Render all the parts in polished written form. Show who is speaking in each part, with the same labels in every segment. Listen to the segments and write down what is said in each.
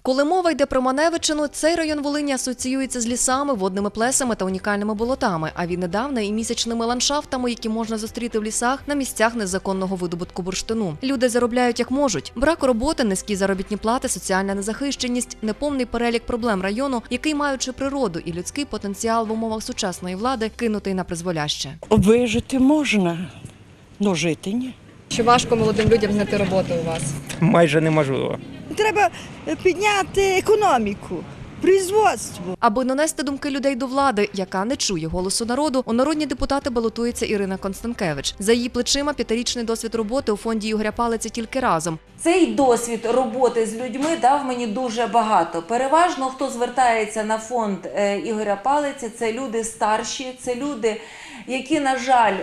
Speaker 1: Коли мова йде про Маневичину, цей район Волині асоціюється з лісами, водними плесами та унікальними болотами, а віднедавна і місячними ландшафтами, які можна зустріти в лісах на місцях незаконного видобутку бурштину. Люди заробляють як можуть. Брак роботи, низькі заробітні плати, соціальна незахищеність – неповний перелік проблем району, який, маючи природу і людський потенціал в умовах сучасної влади, кинутий на призволяще.
Speaker 2: Вижити можна, але жити ні.
Speaker 3: Чи важко молодим людям знайти роботу у вас?
Speaker 4: Майже неможливо.
Speaker 5: Треба підняти економіку, производство.
Speaker 1: Аби донести думки людей до влади, яка не чує голосу народу, у народні депутати балотується Ірина Констанкевич. За її плечима 5-річний досвід роботи у фонді Ігоря Палиці «Тільки разом».
Speaker 6: Цей досвід роботи з людьми дав мені дуже багато. Переважно, хто звертається на фонд Ігоря Палиці, це люди старші, це люди, які, на жаль,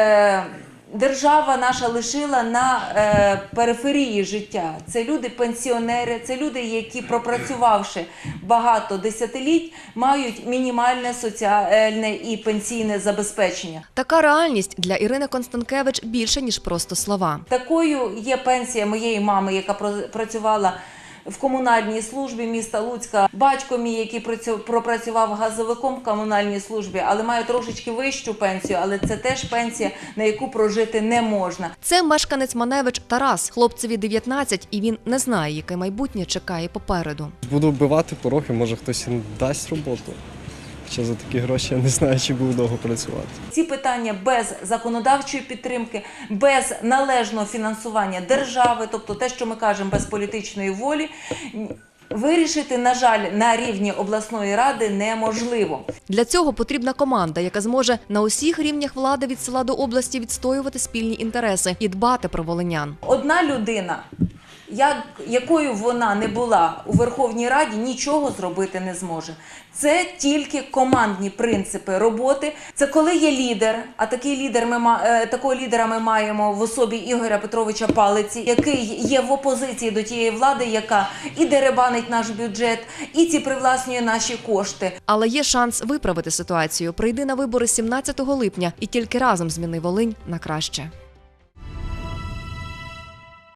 Speaker 6: держава наша лишила на периферії життя. Це люди-пенсіонери, це люди, які, пропрацювавши багато десятиліть, мають мінімальне соціальне і пенсійне забезпечення.
Speaker 1: Така реальність для Ірини Констанкевич більше, ніж просто слова.
Speaker 6: Такою є пенсія моєї мами, яка працювала в комунальній службі міста Луцька. Батько мій, який пропрацював газовиком в комунальній службі, але має трошечки вищу пенсію, але це теж пенсія, на яку прожити не можна.
Speaker 1: Це мешканець Маневич Тарас. Хлопцеві 19, і він не знає, яке майбутнє чекає попереду.
Speaker 7: Буду вбивати пороги, може хтось і дасть роботу. Хоча за такі гроші я не знаю, чи буду довго працювати.
Speaker 6: Ці питання без законодавчої підтримки, без належного фінансування держави, тобто те, що ми кажемо, без політичної волі, вирішити, на жаль, на рівні обласної ради неможливо.
Speaker 1: Для цього потрібна команда, яка зможе на усіх рівнях влади від села до області відстоювати спільні інтереси і дбати про волинян.
Speaker 6: Одна людина, якою вона не була у Верховній Раді, нічого зробити не зможе. Це тільки командні принципи роботи. Це коли є лідер, а такого лідера ми маємо в особі Ігоря Петровича Палиці, який є в опозиції до тієї влади, яка і деребанить наш бюджет, і привласнює наші кошти.
Speaker 1: Але є шанс виправити ситуацію. Прийди на вибори 17 липня і тільки разом зміни Волинь на краще.